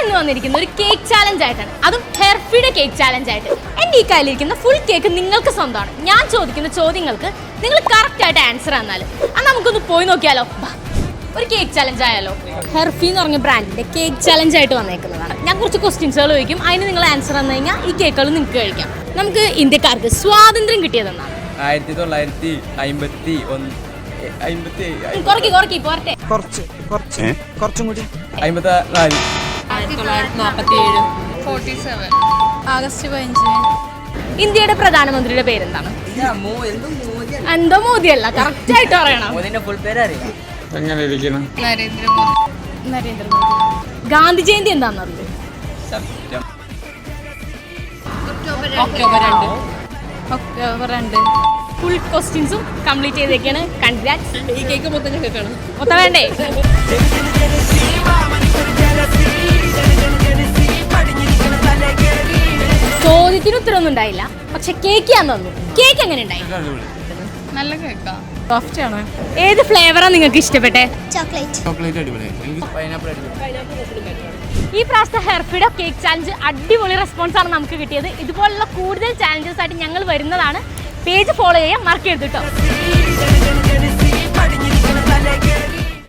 ഇന്ന് വന്നിരിക്കുന്ന ഒരു കേക്ക് ചാലഞ്ച് ആയിട്ടാണ്, അതും ഹെർഫിയുടെ കേക്ക് ചാലഞ്ച് ആയിട്ട്. എൻ്റെ ഈ കയ്യിലിരിക്കുന്ന ഫുൾ കേക്ക് നിങ്ങൾക്ക് സ്വന്തമാണ്. ഞാൻ ചോദിക്കുന്ന ചോദ്യങ്ങൾക്ക് നിങ്ങൾ കറക്റ്റ് ആയിട്ട് ആൻസർ തന്നാൽ അത് നമുക്കൊന്ന് പോയി നോക്കിയാലോ. ഒരു കേക്ക് ചാലഞ്ച് ആയാലോ. ഹെർഫി എന്ന് പറഞ്ഞ ബ്രാൻഡിന്റെ കേക്ക് ചാലഞ്ച് ആയിട്ട് വന്നേക്കുന്നതാണ്. ഞാൻ കുറച്ച് ക്വസ്റ്റ്യൻസുകൾ ചോദിക്കും, അതിന് നിങ്ങൾ ആൻസർ തന്നു കഴിഞ്ഞാൽ ഈ കേക്കുകൾ നിങ്ങൾക്ക് കഴിക്കാം. നമുക്ക് ഇന്ത്യക്കാർക്ക് സ്വാതന്ത്ര്യം കിട്ടിയതെന്നാണ് 1951. കുറച്ചും കൂടി 54. 1947. ആഗസ്റ്റ് 15. ഇന്ത്യയുടെ പ്രധാനമന്ത്രിയുടെ പേരെന്താണ്? എന്തോ മോദിയല്ല, കറക്റ്റ് ആയിട്ട് പറയണം. നരേന്ദ്രമോദി. ഗാന്ധി ജയന്തി എന്താണെന്ന് അറിയോ? ഒക്ടോബർ 2. ഫുൾ ക്വസ്റ്റ്യൻസും കംപ്ലീറ്റ് ചെയ്തേക്കാണ്. കൺഗ്രാറ്റ്സ്. ഈ കേക്ക് മൊത്തം കേൾക്കണം. മൊത്തം വേണ്ടേ? ചോദ്യത്തിന് ഉത്തരവൊന്നും ഉണ്ടായില്ല, പക്ഷെ കേക്ക് ഞാൻ തന്നു. കേക്ക് എങ്ങനെ ഉണ്ടായി? നല്ല കേക്കാ. സോഫ്റ്റ് ആണ്. ഏത് ഫ്ലേവറാണ് നിങ്ങൾക്ക് ഇഷ്ടപ്പെട്ടെ? ചോക്ലേറ്റ് അടിപൊളി. പൈനാപ്പിൾ അടിപൊളി. ഈ പ്രാവശ്യത്തെ ഹെർഫിയുടെ കേക്ക് ചാലഞ്ച് അടിപൊളി റെസ്പോൺസ് ആണ് നമുക്ക് കിട്ടിയത്. ഇതുപോലുള്ള കൂടുതൽ ചാലഞ്ചസ് ആയിട്ട് ഞങ്ങൾ വരുന്നതാണ്. പേജ് ഫോളോ ചെയ്യാൻ മറക്കരുത് കേട്ടോ.